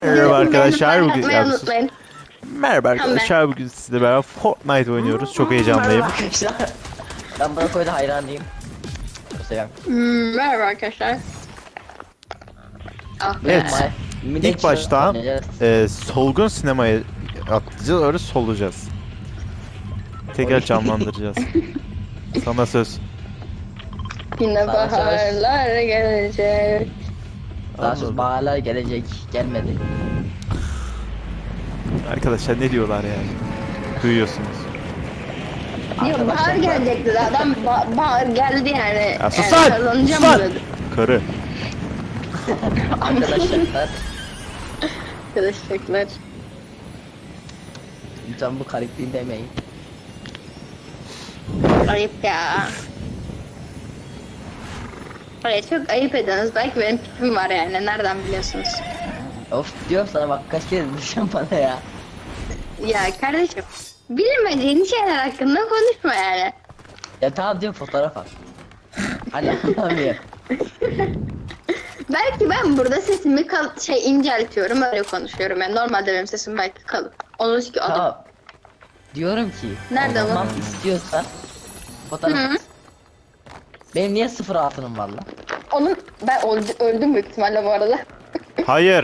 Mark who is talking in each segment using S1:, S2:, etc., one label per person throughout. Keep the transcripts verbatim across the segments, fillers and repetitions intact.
S1: Merhaba arkadaşlar bugün
S2: Atmayı unutmayın.
S1: Merhaba arkadaşlar bugün sizle beraber Fortnite oynuyoruz. Çok heyecanlıyım.
S3: Merhaba arkadaşlar. Ben buna koyda hayranıyım. Çok seviyorum.
S2: Hmm, merhaba arkadaşlar. Ah be.
S1: Evet. İlk başta e, solgun sinemaya atlayacağız, öyle solacağız. Tekrar canlandıracağız. Sana söz.
S2: Yine
S3: Sana söz.
S2: baharlar gelecek.
S3: Daha söz
S1: Anladım.
S3: baharlar gelecek. Gelmedi.
S1: Arkadaşlar ne diyorlar yani? Duyuyorsunuz.
S2: Diyor bahar gelecek dedi adam ba- bahar geldi yani.
S1: Ya sus
S2: yani
S1: lan!
S2: kazanacağım
S1: Sus lan!
S2: dedi.
S1: Karı.
S3: Arkadaşlar.
S2: Arkadaşlar.
S3: Lütfen bu karakterini demeyin.
S2: Ayıp ya. Hayır çok ayıp ediyorsunuz. Belki benim tipim var yani. Nereden biliyorsunuz?
S3: Of diyorum sana bak kaç kere düşen bana ya.
S2: Ya kardeşim. Bilmediğin şeyler hakkında konuşma yani.
S3: Ya tamam diyorum fotoğraf at. Hani anlamıyor.
S2: Belki ben burada sesimi kal şey inceltiyorum öyle konuşuyorum. Yani normalde benim sesim belki kalın. Onun ki adam.
S3: Tamam. Diyorum ki.
S2: Nerede bu?
S3: Tamam istiyorsan. Fotoğraf
S2: Hı.
S3: at. Benim niye sıfır altınım var lan?
S2: Onun ben öldü, öldüm büyük ihtimalle bu arada.
S1: Hayır.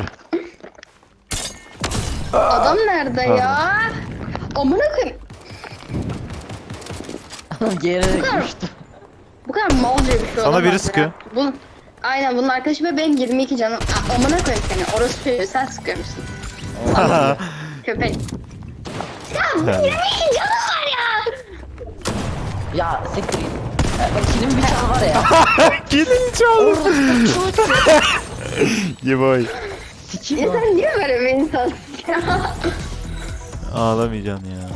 S2: Adam nerede ya? Amına koyayım.
S3: Geri
S2: kadar-
S3: düştü.
S2: Bu kadar malca bir şey
S1: Sana
S2: olamaz
S1: biri
S2: ya.
S1: sıkıyor.
S2: Bunun, aynen bunun arkadaşı ve benim yirmi iki canım. Aa, amına koyayım seni. Orası söylüyor. Sen sıkıyormuşsun. Köpek. Ya bu yirmi iki canım var ya.
S3: Ya siktir git. Ya bak kimin bir canı var ya.
S1: Gelin çal. Yeboy.
S3: Sikim
S2: Ya
S3: o.
S2: sen niye böyle bir insansın ya?
S1: Ağlamayacaksın ya.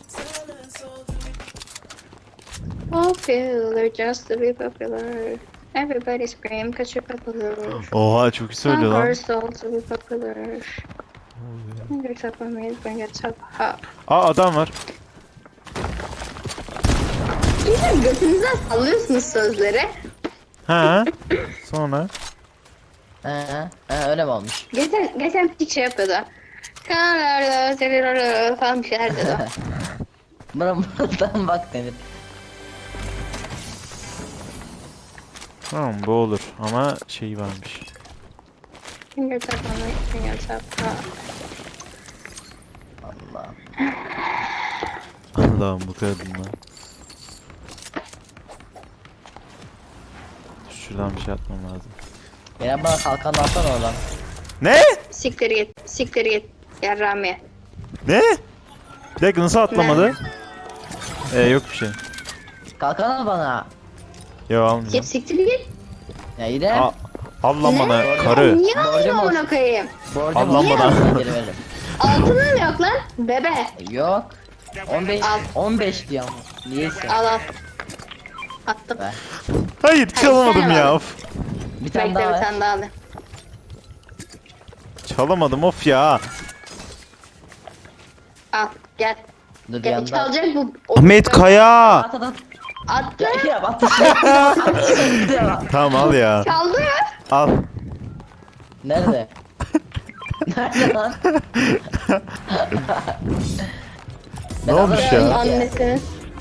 S2: Popular just to be popular. Everybody scream cause you're popular.
S1: Oha çok iyi söylüyor lan.
S2: Conquer soul to be popular. You're top of me, bring it top up.
S1: Aa adam var.
S2: Sizin götünüzden sallıyorsunuz sözleri.
S1: Ha. Sonra.
S3: He he öyle mi olmuş?
S2: Geçen, geçen bir şey yapıyordu. Kanarda, serirarda falan bir şeyler dedi.
S3: Bana buradan bak denir.
S1: Tamam bu olur ama şey varmış.
S2: Finger top on me, finger top up.
S3: Allah.
S1: Allah'ım bu kadınla. Şuradan bir şey atmam lazım.
S3: Ya bana kalkan alsana oradan.
S1: Ne?
S2: Siktir git, siktir git. Yarramiye.
S1: Ne? Bir dakika nasıl atlamadı? Ee yok bir şey.
S3: Kalkan al bana.
S1: Yo almayacağım.
S2: Git siktir git.
S3: Ya yine.
S1: Aa, al lan bana
S2: Ne?
S1: karı.
S2: Niye
S3: Borcum
S2: alayım
S3: olsun.
S2: amına koyayım?
S3: Borcum
S1: Allah
S3: olsun,
S1: bana.
S3: geri veririm.
S2: Altının yok lan. Bebe.
S3: Yok. on beş
S2: Al.
S3: on beş diyor ama. Niyeyse.
S2: Al al. Attım.
S3: Ver.
S1: Hayır çalamadım
S2: sen
S1: ya
S2: al.
S1: of.
S3: Bir tane
S2: Bekle
S3: daha
S2: bir
S3: ver.
S2: tane daha al.
S1: Çalamadım of ya.
S2: Al gel.
S3: Dur
S2: Gel
S3: yanında.
S2: çalacak bu.
S1: Ahmet Kaya.
S3: At at at.
S2: Attı.
S3: Ya ya at at.
S1: Tamam al ya.
S2: Çaldı ya.
S1: Al.
S3: Nerede? Nerede lan?
S1: Ne olmuş
S2: Ben
S1: ya?
S2: annesinin.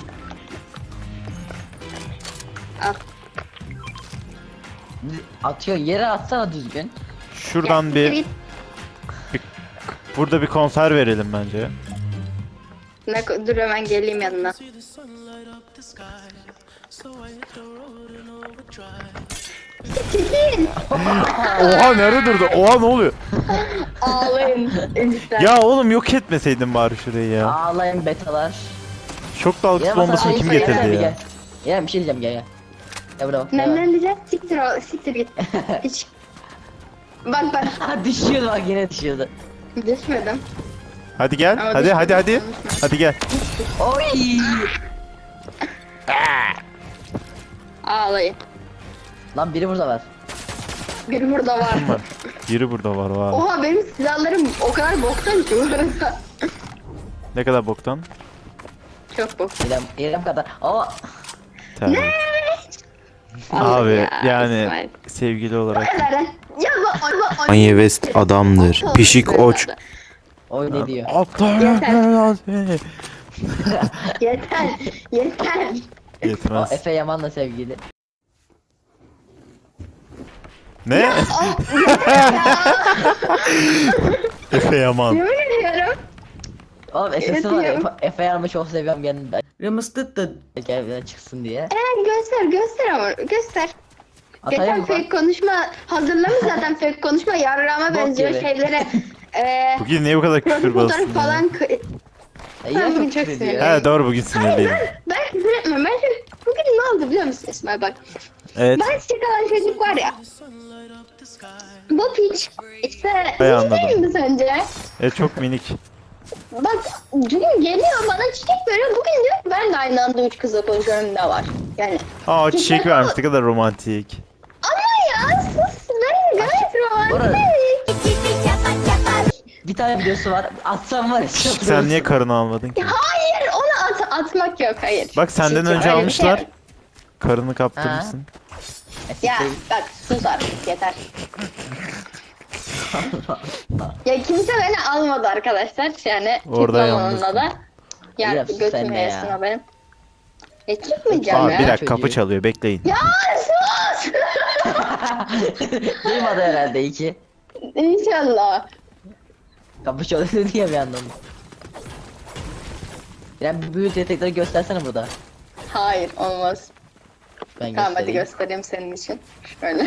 S2: Al.
S3: Atıyor yere atsana düzgün.
S1: Şuradan
S2: Siktir
S1: bir,
S2: git.
S1: bir burada bir konser verelim bence.
S2: Ne, ko- dur hemen geleyim yanına. Çekil.
S1: Oha nerede durdu? Oha ne oluyor?
S2: Ağlayın. Lütfen.
S1: Ya oğlum yok etmeseydin bari şurayı ya.
S3: Ağlayın betalar.
S1: Şok dalgası
S3: Yine
S1: bombasını
S3: basana-
S1: kim
S3: Gel,
S1: getirdi
S3: gel,
S1: ya?
S3: Gel Gel, bir şey diyeceğim gel gel. Gel buraya bak.
S2: Ne
S3: gel.
S2: ne diyeceğim? Siktir ol, siktir git. Hiç. Bak bak.
S3: Ha düşüyordu bak yine düşüyordu.
S2: Düşmedim.
S1: Hadi gel.
S2: Ama
S1: Hadi
S2: düşmedim,
S1: hadi hadi.
S2: unutma.
S1: Hadi gel.
S3: Oy.
S2: Ağlayın.
S3: Lan biri burada var.
S2: Biri burada var.
S1: Kim var? Biri burada var var.
S2: Oha benim silahlarım o kadar boktan ki bu arada.
S1: Ne kadar boktan?
S2: Çok bok.
S3: İrem, İrem kadar. Aa.
S1: Tabii.
S2: Allah
S1: Abi
S2: ya,
S1: yani
S2: İsmail.
S1: sevgili olarak.
S2: Ver lan. Ya bu
S4: Kanye West adamdır. Pişik oç.
S3: O ne diyor?
S1: Aptal
S2: Yeter.
S1: seni.
S2: Yeter. Yeter.
S3: O
S1: Yetmez.
S3: Efe Yaman'la sevgili.
S1: Ne? Efe Yaman.
S2: Yemin ediyorum.
S3: Oğlum Efe'si var ya,
S2: Yapıyorum.
S3: Efe- Efe Yaman'ı çok seviyorum kendimden. Rımıstıttı. Gel çıksın diye.
S2: Eren göster göster ama göster.
S3: Atayım
S2: Geçen
S3: mı?
S2: fake konuşma hazırlamış zaten fake konuşma yarrağıma
S3: Bok
S2: benziyor
S3: gibi.
S2: şeylere. Eee
S1: Bugün niye bu kadar küfür
S2: profil
S1: bastın
S2: fotoğrafı
S1: ya?
S2: falan kı-
S3: E, yine
S2: Ben
S3: çok
S2: çok
S3: küfür ediyor.
S2: sinirliyim.
S1: He doğru bugün sinirliyim.
S2: ben küfür etmiyorum. Ben şimdi, bugün ne oldu biliyor musun İsmail bak.
S1: Evet.
S2: Ben çıkan çocuk var ya. Bu piç işte
S1: Hay
S2: hiç değil
S1: anladım.
S2: mi sence?
S1: E çok minik.
S2: Bak dün geliyor bana çiçek veriyor. Bugün diyor ki ben de aynı anda üç kızla konuşuyorum ne var? Yani
S1: Aa çiçek vermiş ne kadar romantik.
S2: ama ya sus ben gayet romantik.
S3: Bir tane videosu var. Atsam var ya.
S1: Sen niye karını almadın ki?
S2: Hayır onu at atmak yok hayır.
S1: Bak senden
S2: Çiçek,
S1: önce
S2: öyle bir
S1: almışlar.
S2: şey-
S1: Karını kaptırmışsın.
S2: Ya bak sus artık yeter. Ya kimse beni almadı arkadaşlar yani.
S1: Orada
S2: çıkmam
S1: yalnızsın.
S2: onunla da. Ya
S3: Yap sen
S2: götüm
S3: de
S2: yesin
S3: ya.
S2: o benim. Ya çıkmayacağım
S1: Aa
S2: ya.
S1: bir dakika kapı
S3: Çocuğu.
S1: çalıyor bekleyin.
S2: Ya sus!
S3: Duymadı herhalde iyi ki.
S2: İnşallah.
S3: Kapı çalıyor diye bir yandan. Yani bu büyük yetenekleri göstersene burada.
S2: Hayır olmaz.
S3: Ben
S2: Tamam hadi
S3: göstereyim.
S2: göstereyim senin için. Şöyle.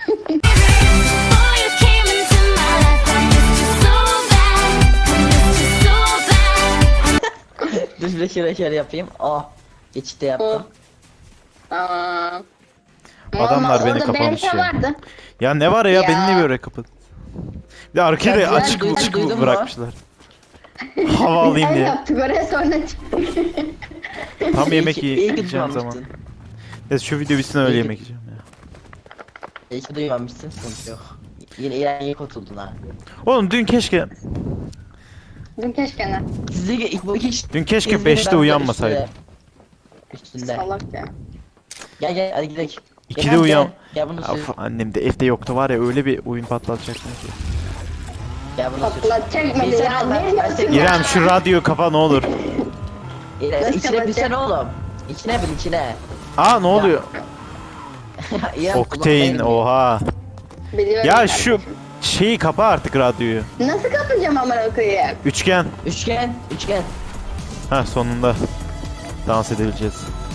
S3: Dur bir de şöyle şöyle yapayım. Oh. Geçişte
S2: Oh.
S3: yaptım.
S2: Tamam.
S1: Adamlar
S2: Ama
S1: beni
S2: orada
S1: kapamış
S2: Berke
S1: ya.
S2: vardı.
S1: Ya ne var ya,
S2: Ya.
S1: beni niye böyle kapat? Bir de arkayı da
S3: Ben-
S1: açık
S3: ben
S1: açık
S3: duydum
S1: bırakmışlar. Hava alayım
S2: El
S1: diye.
S2: yaptık oraya sonra çıktık.
S1: Tam yemek
S3: İyi ki- iyi ki
S1: yiyeceğim zaman.
S3: duymamışsın.
S1: Ya şu video bitsin öyle
S3: İyi ki-
S1: yemek yiyeceğim ya.
S3: İyi ki duymamışsın, sıkıntı yok. Yine İran iyi kurtuldun ha.
S1: Oğlum dün keşke
S2: Dün keşke ne?
S3: Sizde ilk bu iki iş.
S1: dün keşke
S3: İzmir'de
S1: beşte
S3: ben de
S1: uyanmasaydım.
S3: Üstünde. üstünde.
S2: Salak ya.
S3: Gel gel hadi gidelim.
S1: İkide
S3: Gel,
S1: uyan.
S3: Gel, gel bunu sür.
S1: Of, annem de evde yoktu var ya, öyle bir oyun patlatacaktım ki.
S3: Gel bunu sür.
S2: Patlatacak mı
S3: Bir
S2: ya?
S3: sene ben-
S2: Ne
S3: ben
S2: diyorsun
S3: seni-
S2: ya?
S1: İrem şu radyoyu kapa ne olur.
S3: İrem,
S2: Nasıl
S3: İçine
S2: kapatacak?
S3: bilsene oğlum. İçine bil içine.
S1: Aa ne oluyor?
S3: İrem,
S1: Okteyn
S3: kulağına
S1: oha.
S2: Biliyorum
S1: Ya
S2: kardeşim.
S1: şu şeyi kapa artık radyoyu.
S2: Nasıl kapatacağım amına koyayım?
S1: Üçgen.
S3: girmiyor. Üçgen, üçgen.
S1: Ha sonunda. Dans edebileceğiz.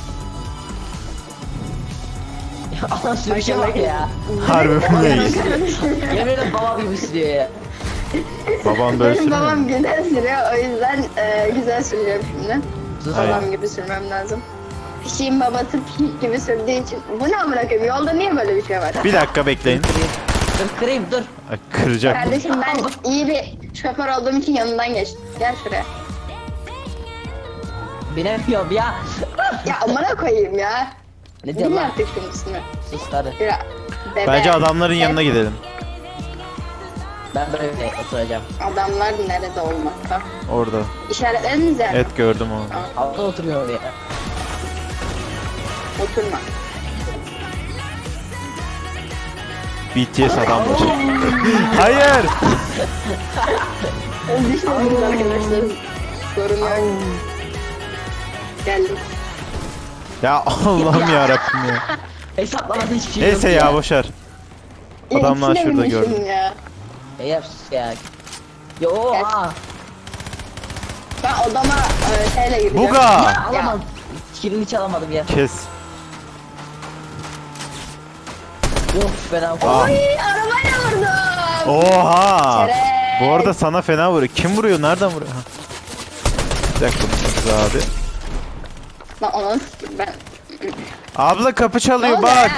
S3: Allah sürüşe bak ya.
S1: Harbi neyiz?
S3: Yemin ederim babam gibi sürüyor ya.
S1: Babam böyle
S2: Benim
S1: sürmüyor
S2: babam
S1: mu?
S2: güzel sürüyor o yüzden e, güzel sürüyorum şimdi.
S3: Sus
S1: Hayır.
S2: Babam gibi sürmem lazım. Pişiğin babası pişik gibi sürdüğü için. Bu ne amına koyayım? Yolda niye böyle bir şey var?
S1: Bir dakika bekleyin.
S3: Kırayım. Dur kırayım dur.
S1: Ay, kıracak.
S2: Kardeşim ben iyi bir şoför olduğum için yanından geçtim. Gel şuraya.
S3: Binemiyorum ya.
S2: Ya amına koyayım ya.
S3: Ne diyorsun
S2: Bil
S3: lan?
S2: artık şunun ismini.
S3: Sus hadi.
S2: Şura. Bebe.
S1: Bence adamların yanına gidelim.
S3: Ben böyle oturacağım.
S2: Adamlar nerede olmakta?
S1: Orada.
S2: İşaretleriniz yani.
S1: Evet gördüm onu.
S3: Altta oturuyorum ya.
S2: Oturma.
S1: B T S adamlar. Hayır.
S2: Düşmediniz arkadaşlar. Sorun yok. Geldim.
S1: Ya Allah'ım ya Rabbim ya.
S3: Hesaplamada hiçbir şey
S1: Neyse
S3: yok
S1: ya boşver. Adamlar
S2: ikisine
S1: şurada
S2: binmişim
S1: gördüm.
S2: Ya.
S3: Ya yap sus ya. Ya oha.
S2: Ben odama e, şeyle gireceğim.
S1: Buga.
S3: Alamadım. Kilini hiç alamadım ya.
S1: Kes.
S3: Of fena.
S1: Aa.
S2: Oy arabayla vurdum.
S1: Oha.
S2: Şeref.
S1: Bu arada sana fena vuruyor. Kim vuruyor? Nereden vuruyor? Ha. Bir dakika kız abi.
S2: Lan onu s- ben...
S1: Abla kapı
S2: Ne
S1: çalıyor
S2: oldu
S1: bak.
S2: ya?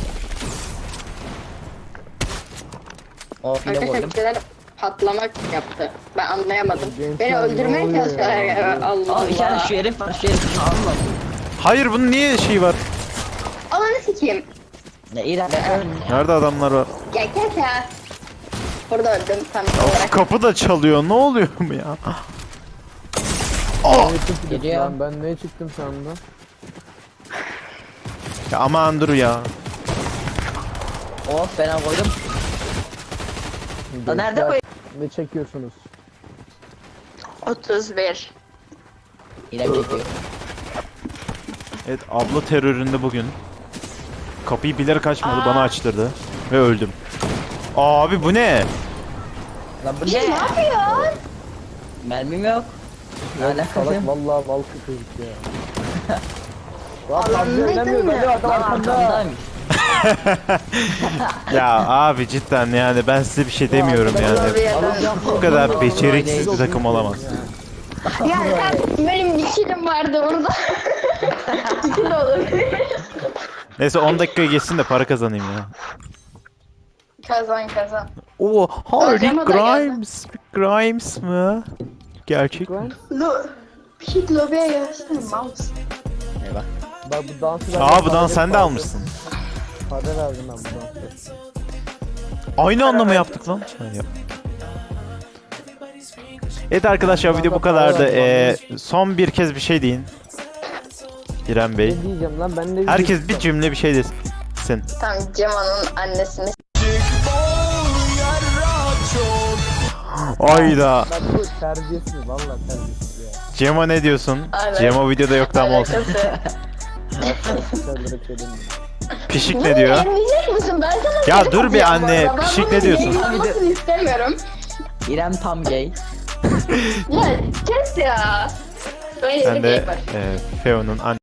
S3: Of yine
S2: Arkadaşlar
S3: vurdum.
S2: bir şeyler patlamak yaptı. Ben anlayamadım. Beni öldürmeye çalışıyorlar ya. Allah
S3: Aa bir tane
S2: Allah.
S3: şu herif var şu herif. Allah.
S1: Hayır bunun niye şey var?
S2: Ananı sikeyim.
S3: Ne İrem ben ölüm.
S1: Nerede adamlar var?
S2: Ya kes ya. Burada öldüm tam
S1: Of,
S2: olarak.
S1: kapı da çalıyor. Ne oluyor mu ya?
S3: Geliyor.
S5: Lan ben ne çıktım sandım?
S1: Ya aman dur ya.
S3: Of fena koydum. Lan nerede koy?
S5: Ne çekiyorsunuz?
S2: otuz bir.
S3: İrem çekiyor.
S1: Evet, abla teröründe bugün. Kapıyı bilerek açmadı, bana açtırdı. Ve öldüm. Abi bu ne?
S3: Lan bu
S2: Ne
S3: ne?
S2: yapıyor?
S3: Mermim yok. Ne alakası
S5: Salak
S3: yok?
S5: vallahi mal çocuk ya. Lan
S2: Allah'ım,
S5: fazla oynamıyor
S2: ne
S5: böyle adam
S3: Lan
S5: arkamda.
S3: arkamdaymış.
S1: Ya abi cidden yani ben size bir şey demiyorum
S2: Lobiye
S1: yani.
S2: dön.
S1: Bu kadar beceriksiz bir takım olamaz.
S2: Ya sen benim bir kilim vardı orada. İki de olur.
S1: Neyse on dakika geçsin de para kazanayım ya.
S2: Kazan kazan.
S1: Oo, Hardy
S2: Öyle mi da geldi?
S1: Grimes. Grimes mı? Gerçek mi?
S2: Lo Pişik lobiye gelsene mouse.
S3: Eyvah.
S5: Bak bu dansı ben...
S1: Aa bu dans sen de almışsın.
S5: Para verdim ben bu dansı.
S1: Aynı anlamı yaptık lan. Ha, yap. Evet arkadaşlar video bu kadardı. Ee, son bir kez bir şey deyin. İrem Bey.
S5: Ne diyeceğim lan ben ne
S1: Herkes bir cümle bir şey desin.
S2: Tamam Cemal'ın annesini.
S1: Ayda.
S5: Bak bu terbiyesiz valla terbiyesiz ya.
S1: Cema ne diyorsun?
S2: Aynen.
S1: Cema videoda yoktu ama olsun.
S2: Alakası.
S5: Şeyleri söyledim.
S1: Pişik ne diyor?
S2: Emleyecek misin? Ben sana
S1: Ya
S2: geri
S1: dur bir
S2: atacağım bu
S1: anne,
S2: arada. Ben
S1: pişik
S2: bunun
S1: ne diyorsun?
S2: yayınlanmasını istemiyorum.
S3: İrem tam gay.
S2: Ya kes ya. Böyle
S1: Ben
S2: bir
S1: de
S2: şey var.
S1: e, Feo'nun